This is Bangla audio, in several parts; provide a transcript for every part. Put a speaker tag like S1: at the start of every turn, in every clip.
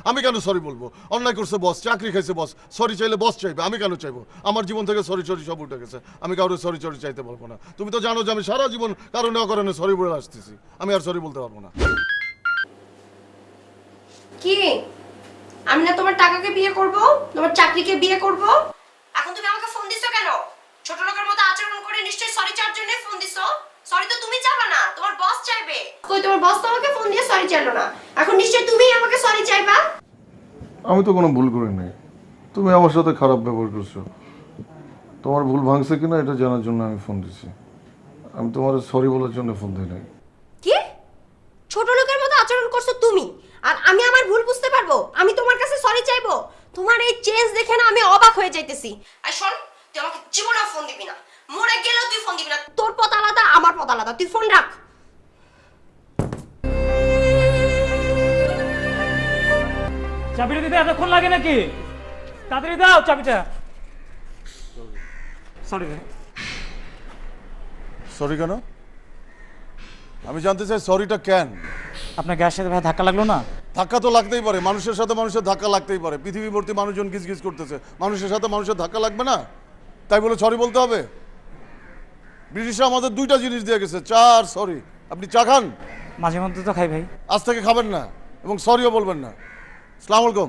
S1: আমি কেন সরি বলবো? অন্যায় করছে বস, চাকরি খাইছে বস, সরি চাইলে বস চাইবে, আমি কেন চাইবো? আমার জীবন থেকে সরি সব উঠে গেছে, আমি কারোর সরি চাইতে পারবো না। তুমি তো জানো যে আমি সারা জীবন কারণে অকারণে সরি বলে আসতেছি, আমি আর সরি বলতে পারবো না।
S2: কি আমি না তোমার টাকাকে বিয়ে করব, তোমার চাকরিকে বিয়ে করব? এখন তুমি আমাকে ফোন দিছো কেন? ছোট লোকের মতো আচরণ করে নিশ্চয়ই সরি চাওয়ার জন্য ফোন দিছো। সরি তো তুমি চাইবা না, তোমার বস চাইবে। কই তোমার বস তো আমাকে ফোন দিয়ে সরি চাইলো না, এখন নিশ্চয়ই তুমিই আমাকে সরি চাইবা।
S1: আমি তো কোনো ভুল করি নাই, তুমি আমার সাথে খারাপ ব্যবহার করছো। তোমার ভুল ভাঙছে কিনা এটা জানার জন্য আমি ফোন দিছি, আমি তোমার সরি বলার জন্য ফোন দিই নাই।
S2: কি ছোট লোকের মতো আচরণ করছো তুমি, আর আমি আমার ভুল বুঝতে পারবো, আমি তোমার কাছে সরি চাইবো? তোমার এই চেঞ্জ দেখে না আমি অবাক হয়ে যাইতেছি। আর শোন, তুই আমাকে জীবনেও ফোন দিবি না, মরে গেলেও তুই ফোন দিবি না। তোর পথ আলাদা, আমার পথ আলাদা, তুই ফোন রাখ।
S3: চাবিটা দিতে এতক্ষণ লাগে নাকি? তাড়াতাড়ি দাও চাবিটা। সরি ভাই।
S1: সরি কেন? আমি জানতে চাই সরিটা কেন?
S3: আপনার গ্যাসের সাথে ভাই ধাক্কা লাগলো না?
S1: ধাক্কা তো লাগতেই পারে, মানুষের সাথে মানুষের ধাক্কা লাগতেই পারে। পৃথিবী ভর্তি মানুষজন গিজ করতেছে, মানুষের সাথে মানুষের ধাক্কা লাগবে না? তাই বলে সরি বলতে হবে? ব্রিটিশরা আমাদের দুইটা জিনিস দিয়ে গেছে, চা আর সরি। আপনি চা খান?
S3: মাঝে মধ্যে তো খাই ভাই।
S1: আজ থেকে খাবেন না এবং সরিও বলবেন না। আসসালামু আলাইকুম।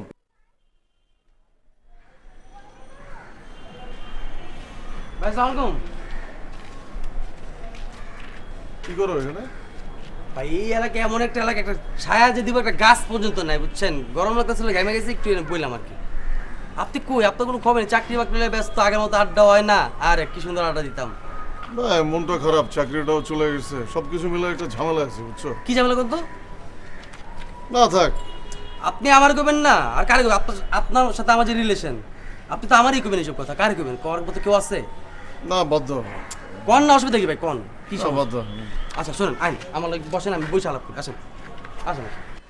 S4: ভাই আসসালামু আলাইকুম।
S1: কি করো এখানে?
S4: ভাই এই এলাকা এমন একটা এলাকা, একটা ছায়া যে দিব একটা গাছ পর্যন্ত নাই, বুঝছেন? গরম লাগতেছিল, ঘামে গেছে, একটু বললাম আর কি। আপনি কই? আপনার কোনো খবর নেই? চাকরি বাকরি নিয়ে ব্যস্ত, আগের মতো আড্ডা হয় না। আর কি সুন্দর আড্ডা দিতাম।
S1: না, মনটা খারাপ, চাকরিটাও চলে গেছে, সবকিছু মিলে একটা ঝামেলা আছে, বুঝছো?
S4: কি ঝামেলা করতো?
S1: না থাক।
S4: আপনি আমার কবেন না, আর কারে কবেন? আপনার সাথে আমার যে রিলেশন, আপনি তো আমারই কবেন এইসব কথা। কারে কবেন? কর মতো কেউ আছে?
S1: না বাধ্য।
S4: কন না, অসুবিধা কি ভাই? কন কি
S1: না,
S4: সমস্যা?
S1: বাধ্য।
S4: আচ্ছা শোনেন, আইন আমার লাগে বসেন, আমি বসে আলাপ করি। আসেন আসেন।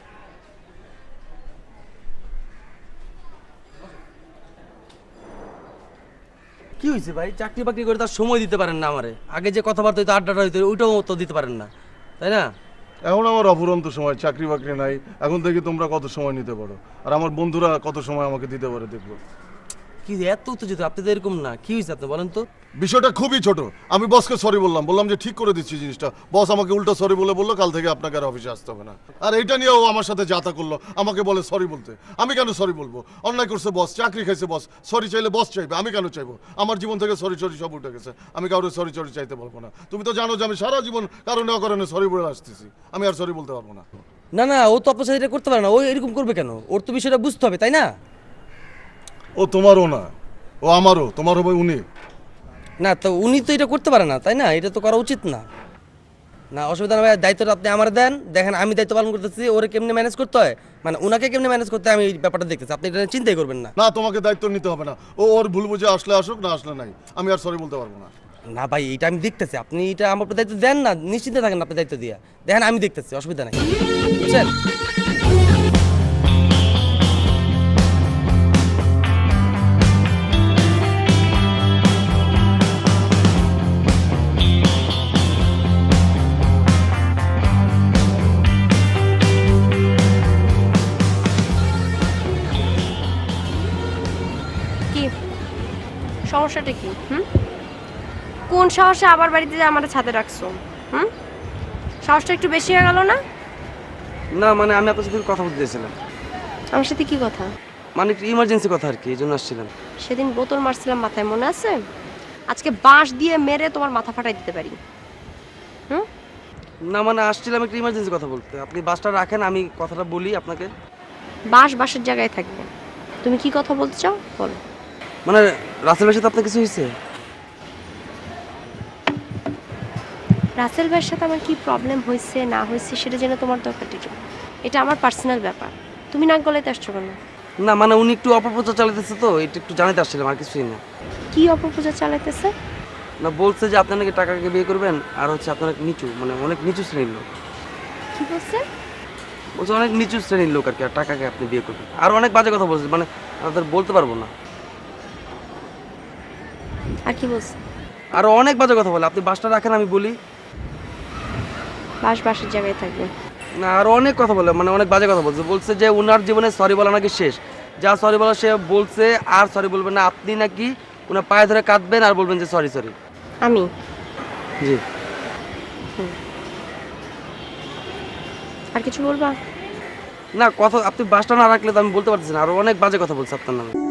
S4: কি হয়েছে ভাই? চাকরি বাকরি করে তার সময় দিতে পারেন না আমারে? আগে যে কথাবার্তা হইতো, আড্ডাটা হইতো, ওইটাও তো দিতে পারেন না, তাই না?
S1: এখন আমার অফুরন্ত সময়, চাকরি বাকরি নাই। এখন থেকে তোমরা কত সময় নিতে পারো, আর আমার বন্ধুরা কত সময় আমাকে দিতে পারে দেখবো।
S4: কি এত উত্তেজিত? আপনি তো এরকম না। কি হয়েছে আপনি বলেন তো?
S1: বিষয়টা খুবই ছোট। আমি বসকে সরি বললাম যে ঠিক করে দিচ্ছি জিনিসটা। বস আমাকে উল্টো সরি বললো কাল থেকে আপনাকে আর অফিসে আসতে হবে না। আর এইটা নিয়ে ও আমার সাথে যাতা করলো, আমাকে বলে সরি বলতে। আমি কেন সরি বলবো? অন্যায় করছে বস, চাকরি খাইছে বস, সরি চাইলে বস চাইবে, আমি কেন চাইবো? আমার জীবন থেকে সরি সব উঠে গেছে, আমি কারোর সরি চাইতে পারবো না। তুমি তো জানো যে আমি সারা জীবন কারণে অকারণে সরি বলে আসতেছি, আমি আর সরি বলতে পারবো না।
S4: না না, ও তো আপনার সাথে এটা করতে পারে না। ও এরকম করবে কেন? ওর তো বিষয়টা বুঝতে হবে, তাই না?
S1: ও তোমারও না, ও আমারও। তোমার হবে উনি।
S4: না তো উনি তো এটা করতে পারে না, তাই না? এটা তো করা উচিত না। না অসুবিধা না ভাই, দায়িত্বটা আপনি আমার দেন। দেখেন আমি দায়িত্ব পালন করতেছি, ওরে কেমনে ম্যানেজ করতে হয়, মানে ওনাকে কেমনে ম্যানেজ করতে হয়, আমি এই ব্যাপারটা দেখতেছি। আপনি এটা নিয়ে চিন্তাই করবেন না।
S1: না, তোমাকে দায়িত্ব নিতে হবে না। ও ওর ভুল বুঝে আসলে আসুক, না আসলে নাই, আমি আর সরি বলতে পারবো না।
S4: না ভাই, এটা আমি দেখতেছি। আপনি এটা আমার উপর দায়িত্ব দেন না, নিশ্চিন্তে থাকেন আপনি দায়িত্ব দিয়া। দেখেন আমি দেখতেছি, অসুবিধা নাই, বুঝছেন?
S2: কি সমস্যাটা কি? কোন সাহসে আবার বাড়িতে যে আমার ছাদে রাখছো? সাহসটা একটু বেশি হয়ে গেল না?
S4: না মানে আমি আপনার সাথে কথা বলতে চাইছিলাম।
S2: আমার সাথে কি কথা?
S4: মানে একটু ইমার্জেন্সি কথা আর কি, এই জন্য আসছিলাম।
S2: সেদিন বোতল মারছিলাম মাথায়, মনে আছে? আজকে বাঁশ দিয়ে মেরে তোমার মাথা ফাটাই দিতে পারি।
S4: না মানে আসছিলাম একটু ইমার্জেন্সি কথা বলতে। আপনি বাসটা রাখেন, আমি কথাটা বলি আপনাকে।
S2: বাঁশ বাঁশের জায়গায় থাকবে। তুমি কি কথা বলতে চাও বলো।
S4: মানে রাসেল ভাইয়ের সাথে আপনার কিছু হয়েছে?
S2: রাসেল ভাইয়ের সাথে আমার কি প্রবলেম হয়েছে না হয়েছে সেটা জেনে তোমার দরকার কি? এটা আমার পার্সোনাল ব্যাপার, তুমি নাক গলাইতে আসছো কেন?
S4: না মানে উনি একটু অপপ্রচার চালাতেছে, তো এটা একটু জানাতে আসছিলাম, আর কিছুই না।
S2: কি অপপ্রচার চালাইতেছে?
S4: না বলছে যে আপনার নাকি টাকাকে বিয়ে করবেন, আর হচ্ছে আপনার নিচু, মানে অনেক নিচু শ্রেণীর লোক।
S2: কি বলছে?
S4: বলছে অনেক নিচু শ্রেণীর লোক আর কি, আর টাকাকে আপনি বিয়ে করবেন। আর অনেক বাজে কথা বলছে, মানে আপনাদের বলতে পারবো না।
S2: আর কি বলছে?
S4: আরো অনেক বাজে কথা বলে। আপনি বাসটা রাখেন, আমি বলি।
S2: বাঁশ বাঁশের জায়গায় থাকবে।
S4: না আর অনেক কথা বলে, মানে অনেক বাজে কথা বলছে। বলছে যে উনার জীবনে সরি বলা নাকি শেষ, যা সরি বলা সে বলছে, আর সরি বলবেন না। আপনি নাকি উনার পায়ে ধরে কাঁদবেন আর বলবেন যে সরি সরি।
S2: আমি
S4: জি।
S2: আর কিছু বলবা?
S4: না কথা, আপনি বাসটা না রাখলে তো আমি বলতে পারতেছি না, আরো অনেক বাজে কথা বলছে আপনার নামে।